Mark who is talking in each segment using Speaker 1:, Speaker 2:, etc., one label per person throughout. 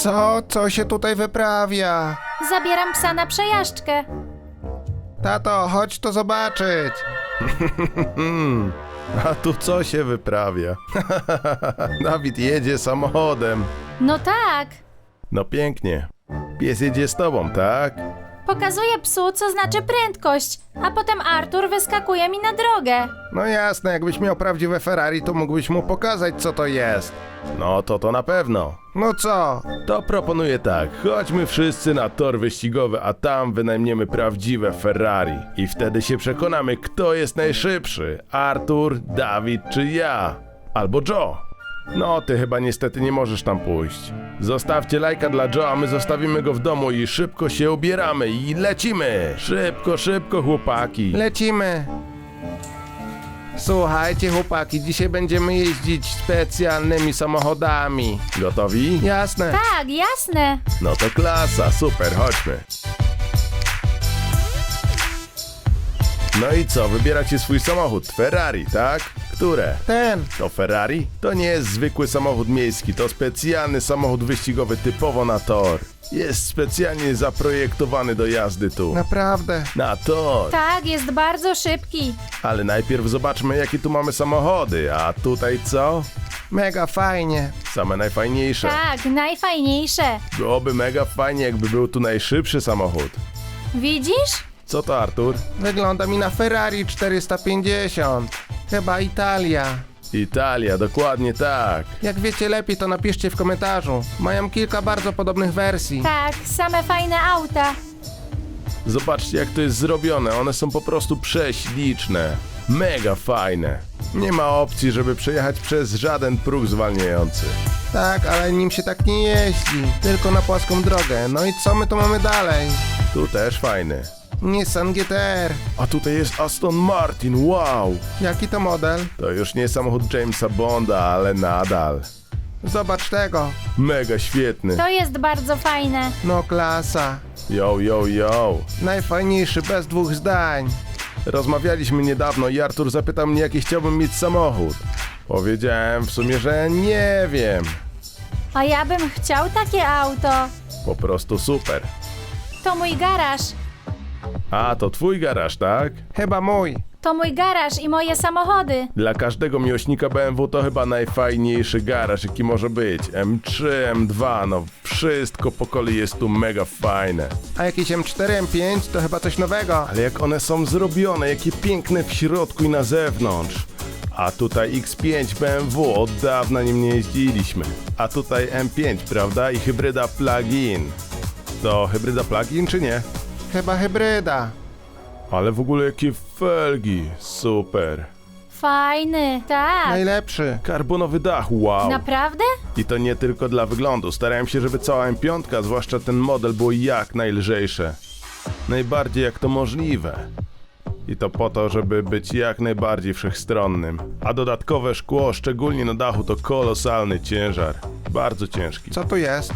Speaker 1: Co się tutaj wyprawia?
Speaker 2: Zabieram psa na przejażdżkę.
Speaker 1: Tato, chodź to zobaczyć.
Speaker 3: A tu co się wyprawia? Dawid jedzie samochodem.
Speaker 2: No tak.
Speaker 3: No pięknie. Pies jedzie z tobą, tak?
Speaker 2: Pokazuję psu, co znaczy prędkość, a potem Artur wyskakuje mi na drogę.
Speaker 1: No jasne, jakbyś miał prawdziwe Ferrari, to mógłbyś mu pokazać, co to jest.
Speaker 3: No to na pewno.
Speaker 1: No co?
Speaker 3: To proponuję tak, chodźmy wszyscy na tor wyścigowy, a tam wynajmiemy prawdziwe Ferrari. I wtedy się przekonamy, kto jest najszybszy. Artur, Dawid czy ja. Albo Joe. No, ty chyba niestety nie możesz tam pójść. Zostawcie lajka dla Joe, a my zostawimy go w domu i szybko się ubieramy i lecimy. Szybko, chłopaki.
Speaker 1: Lecimy. Słuchajcie chłopaki, dzisiaj będziemy jeździć specjalnymi samochodami.
Speaker 3: Gotowi?
Speaker 1: Jasne.
Speaker 2: Tak, jasne.
Speaker 3: No to klasa, super, chodźmy. No i co, wybieracie swój samochód? Ferrari, tak? Które?
Speaker 1: Ten.
Speaker 3: To Ferrari? To nie jest zwykły samochód miejski, to specjalny samochód wyścigowy typowo na tor. Jest specjalnie zaprojektowany do jazdy tu.
Speaker 1: Naprawdę.
Speaker 3: Na tor.
Speaker 2: Tak, jest bardzo szybki.
Speaker 3: Ale najpierw zobaczmy, jakie tu mamy samochody, a tutaj co?
Speaker 1: Mega fajnie.
Speaker 3: Same najfajniejsze.
Speaker 2: Tak, najfajniejsze.
Speaker 3: Byłoby mega fajnie, jakby był tu najszybszy samochód.
Speaker 2: Widzisz?
Speaker 3: Co to, Artur?
Speaker 1: Wygląda mi na Ferrari 450. Chyba Italia.
Speaker 3: Italia, dokładnie tak.
Speaker 1: Jak wiecie lepiej, to napiszcie w komentarzu. Mają kilka bardzo podobnych wersji.
Speaker 2: Tak, same fajne auta.
Speaker 3: Zobaczcie, jak to jest zrobione, one są po prostu prześliczne. Mega fajne. Nie ma opcji, żeby przejechać przez żaden próg zwalniający.
Speaker 1: Tak, ale nim się tak nie jeździ. Tylko na płaską drogę. No i co my tu mamy dalej?
Speaker 3: Tu też fajny.
Speaker 1: Nissan GTR.
Speaker 3: A tutaj jest Aston Martin, wow!
Speaker 1: Jaki to model?
Speaker 3: To już nie samochód Jamesa Bonda, ale nadal.
Speaker 1: Zobacz tego.
Speaker 3: Mega świetny.
Speaker 2: To jest bardzo fajne.
Speaker 1: No klasa.
Speaker 3: Yo.
Speaker 1: Najfajniejszy bez dwóch zdań.
Speaker 3: Rozmawialiśmy niedawno i Artur zapytał mnie, jaki chciałbym mieć samochód. Powiedziałem w sumie, że nie wiem.
Speaker 2: A ja bym chciał takie auto.
Speaker 3: Po prostu super.
Speaker 2: To mój garaż.
Speaker 3: A, to twój garaż, tak?
Speaker 1: Chyba mój.
Speaker 2: To mój garaż i moje samochody.
Speaker 3: Dla każdego miłośnika BMW to chyba najfajniejszy garaż, jaki może być. M3, M2, no wszystko po kolei jest tu mega fajne.
Speaker 1: A jakieś M4, M5 to chyba coś nowego.
Speaker 3: Ale jak one są zrobione, jakie piękne w środku i na zewnątrz. A tutaj X5 BMW, od dawna nim nie jeździliśmy. A tutaj M5, prawda? I hybryda plug-in. To hybryda plug-in czy nie?
Speaker 1: Chyba hybryda.
Speaker 3: Ale w ogóle jakie felgi, super.
Speaker 2: Fajny, tak.
Speaker 1: Najlepszy.
Speaker 3: Karbonowy dach, wow.
Speaker 2: Naprawdę?
Speaker 3: I to nie tylko dla wyglądu. Starałem się, żeby cała M5, zwłaszcza ten model, było jak najlżejsze. Najbardziej jak to możliwe. I to po to, żeby być jak najbardziej wszechstronnym. A dodatkowe szkło, szczególnie na dachu, to kolosalny ciężar. Bardzo ciężki.
Speaker 1: Co tu jest?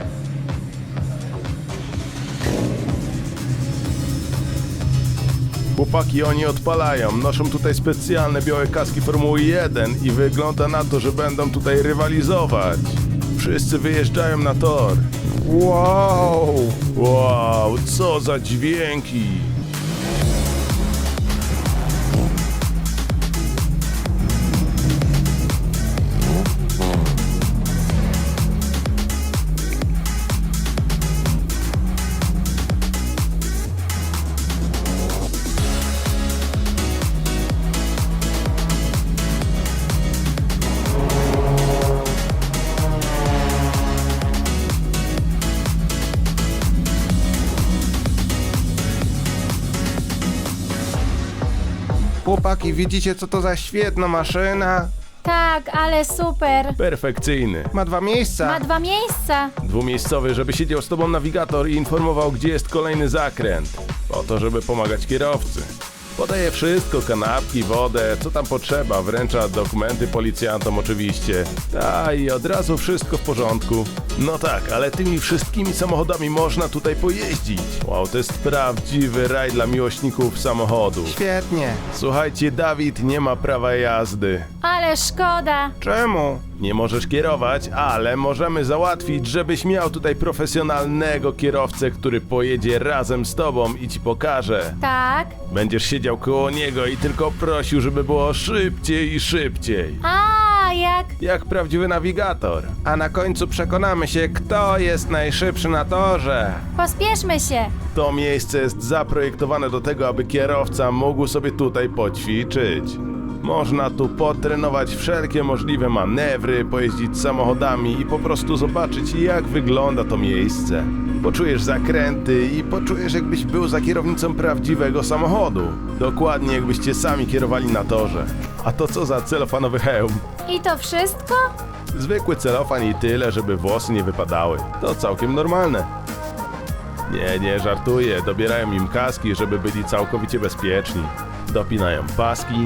Speaker 3: Chłopaki, oni odpalają. Noszą tutaj specjalne białe kaski Formuły 1 i wygląda na to, że będą tutaj rywalizować. Wszyscy wyjeżdżają na tor.
Speaker 1: Wow.
Speaker 3: Wow, co za dźwięki!
Speaker 1: Chłopaki, widzicie co to za świetna maszyna?
Speaker 2: Tak, ale super.
Speaker 3: Perfekcyjny.
Speaker 1: Ma dwa miejsca.
Speaker 2: Ma 2 miejsca.
Speaker 3: Dwumiejscowy, żeby siedział z tobą nawigator i informował, gdzie jest kolejny zakręt. Po to, żeby pomagać kierowcy. Podaje wszystko, kanapki, wodę, co tam potrzeba, wręcza dokumenty policjantom oczywiście. I od razu wszystko w porządku. No tak, ale tymi wszystkimi samochodami można tutaj pojeździć. Wow, to jest prawdziwy raj dla miłośników samochodu.
Speaker 1: Świetnie.
Speaker 3: Słuchajcie, Dawid nie ma prawa jazdy.
Speaker 2: Ale szkoda.
Speaker 1: Czemu?
Speaker 3: Nie możesz kierować, ale możemy załatwić, żebyś miał tutaj profesjonalnego kierowcę, który pojedzie razem z tobą i ci pokaże.
Speaker 2: Tak.
Speaker 3: Będziesz siedział koło niego i tylko prosił, żeby było szybciej i szybciej.
Speaker 2: A, jak...
Speaker 3: Jak prawdziwy nawigator.
Speaker 1: A na końcu przekonamy się, kto jest najszybszy na torze.
Speaker 2: Pospieszmy się.
Speaker 3: To miejsce jest zaprojektowane do tego, aby kierowca mógł sobie tutaj poćwiczyć. Można tu potrenować wszelkie możliwe manewry, pojeździć samochodami i po prostu zobaczyć, jak wygląda to miejsce. Poczujesz zakręty i poczujesz, jakbyś był za kierownicą prawdziwego samochodu. Dokładnie jakbyście sami kierowali na torze. A to co za celofanowy hełm?
Speaker 2: I to wszystko?
Speaker 3: Zwykły celofan i tyle, żeby włosy nie wypadały. To całkiem normalne. Nie, żartuję. Dobierają im kaski, żeby byli całkowicie bezpieczni. Dopinają paski.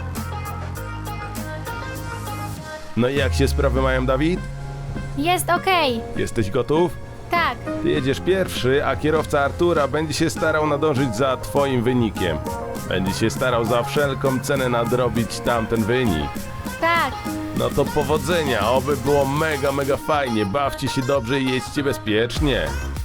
Speaker 3: No i jak się sprawy mają, Dawid?
Speaker 2: Jest okej.
Speaker 3: Jesteś gotów?
Speaker 2: Tak.
Speaker 3: Ty jedziesz pierwszy, a kierowca Artura będzie się starał nadążyć za twoim wynikiem. Będzie się starał za wszelką cenę nadrobić tamten wynik.
Speaker 2: Tak.
Speaker 3: No to powodzenia, oby było mega fajnie, bawcie się dobrze i jedźcie bezpiecznie.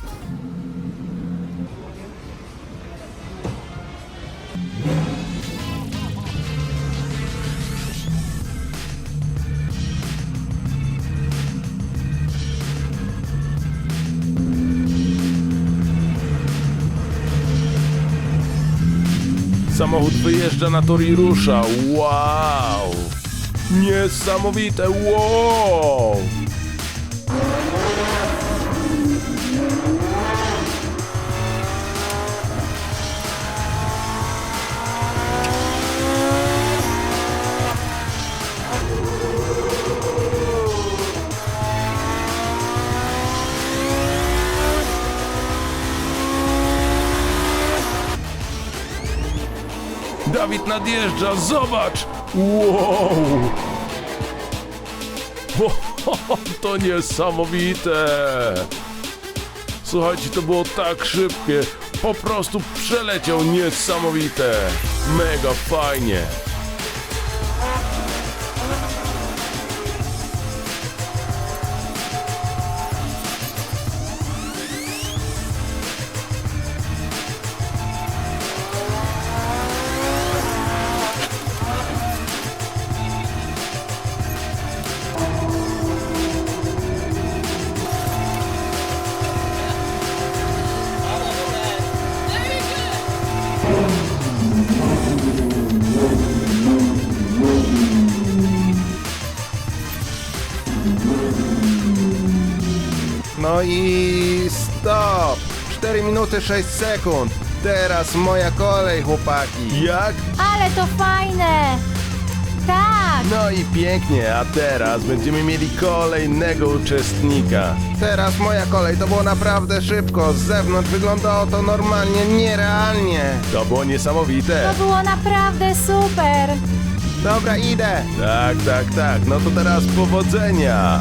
Speaker 3: Samochód wyjeżdża na tor i rusza. Wow! Niesamowite, wow! Dawid nadjeżdża, zobacz! Wow! To niesamowite! Słuchajcie, to było tak szybkie, po prostu przeleciał, niesamowite! Mega fajnie!
Speaker 1: No i stop! 4 minuty 6 sekund. Teraz moja kolej, chłopaki.
Speaker 3: Jak?
Speaker 2: Ale to fajne. Tak.
Speaker 3: No i pięknie, a teraz będziemy mieli kolejnego uczestnika.
Speaker 1: Teraz moja kolej, to było naprawdę szybko. Z zewnątrz wyglądało to normalnie, nierealnie.
Speaker 3: To było niesamowite.
Speaker 2: To było naprawdę super.
Speaker 1: Dobra, idę.
Speaker 3: Tak, no to teraz powodzenia.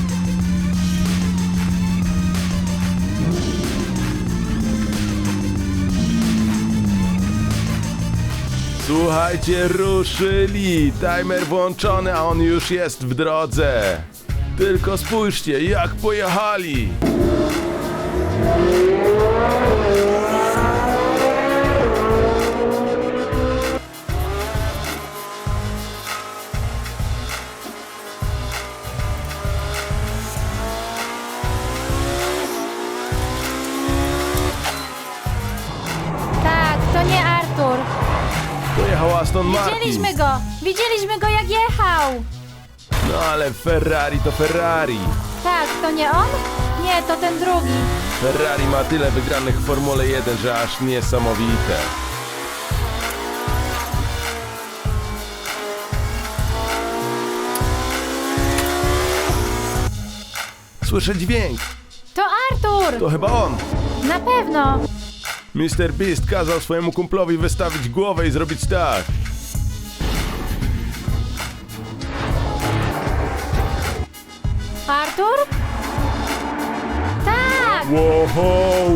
Speaker 3: Słuchajcie, ruszyli! Timer włączony, a on już jest w drodze. Tylko spójrzcie, jak pojechali!
Speaker 2: Tak, to nie Artur.
Speaker 3: Pojechał Aston Martin.
Speaker 2: Widzieliśmy go jak jechał.
Speaker 3: No ale Ferrari to Ferrari.
Speaker 2: Tak, to nie on? Nie, to ten drugi.
Speaker 3: Ferrari ma tyle wygranych w Formule 1, że aż niesamowite. Słyszę dźwięk.
Speaker 2: To Artur.
Speaker 3: To chyba on.
Speaker 2: Na pewno.
Speaker 3: Mr. Beast kazał swojemu kumplowi wystawić głowę i zrobić tak.
Speaker 2: Artur? Tak!
Speaker 3: Wow!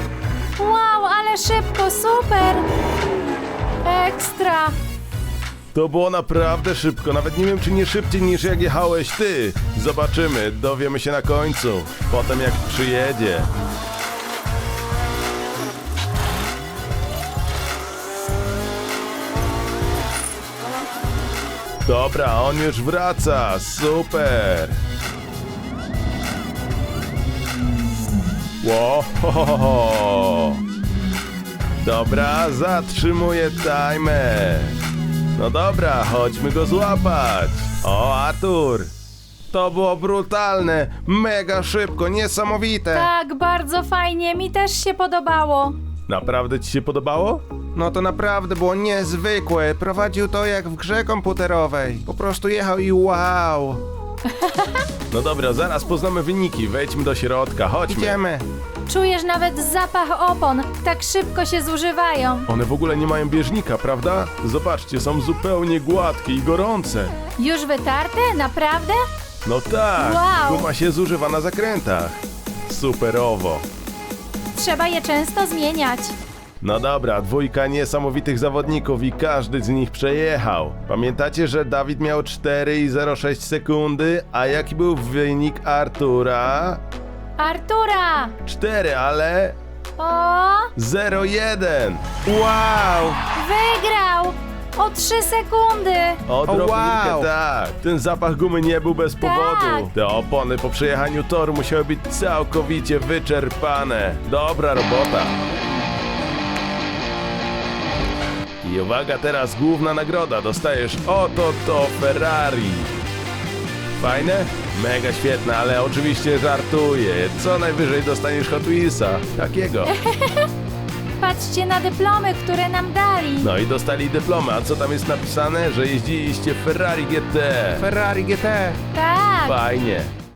Speaker 2: Wow, ale szybko, super! Ekstra!
Speaker 3: To było naprawdę szybko, nawet nie wiem czy nie szybciej niż jak jechałeś ty. Zobaczymy, dowiemy się na końcu, potem jak przyjedzie. Dobra, on już wraca, super. Wow. Dobra, zatrzymuję timer. No dobra, chodźmy go złapać. O, Artur.
Speaker 1: To było brutalne, mega szybko, niesamowite.
Speaker 2: Tak, bardzo fajnie, mi też się podobało.
Speaker 3: Naprawdę ci się podobało?
Speaker 1: No to naprawdę było niezwykłe. Prowadził to jak w grze komputerowej. Po prostu jechał i wow.
Speaker 3: No dobra, zaraz poznamy wyniki, wejdźmy do środka, chodźmy.
Speaker 1: Idziemy.
Speaker 2: Czujesz nawet zapach opon, tak szybko się zużywają.
Speaker 3: One w ogóle nie mają bieżnika, prawda? Zobaczcie, są zupełnie gładkie i gorące.
Speaker 2: Już wytarte? Naprawdę?
Speaker 3: No tak,
Speaker 2: Wow.
Speaker 3: guma się zużywa na zakrętach. Superowo.
Speaker 2: Trzeba je często zmieniać.
Speaker 3: No dobra, dwójka niesamowitych zawodników i każdy z nich przejechał. Pamiętacie, że Dawid miał 4,06 sekundy, a jaki był wynik Artura?
Speaker 2: Artura!
Speaker 3: 4, ale
Speaker 2: O,
Speaker 3: 0,1.
Speaker 1: Wow.
Speaker 2: wygrał! O 3 sekundy!
Speaker 3: Odrobinkę,
Speaker 1: wow.
Speaker 3: tak. Ten zapach gumy nie był bez powodu.
Speaker 2: Tak.
Speaker 3: Te opony po przejechaniu toru musiały być całkowicie wyczerpane. Dobra robota. I uwaga, teraz główna nagroda. Dostajesz oto to Ferrari. Fajne? Mega świetne, ale oczywiście żartuję. Co najwyżej dostaniesz Hot Wheelsa. Takiego.
Speaker 2: Patrzcie na dyplomy, które nam dali.
Speaker 3: No i dostali dyplomy. A co tam jest napisane? Że jeździliście Ferrari GT.
Speaker 1: Ferrari GT.
Speaker 2: Tak.
Speaker 3: Fajnie.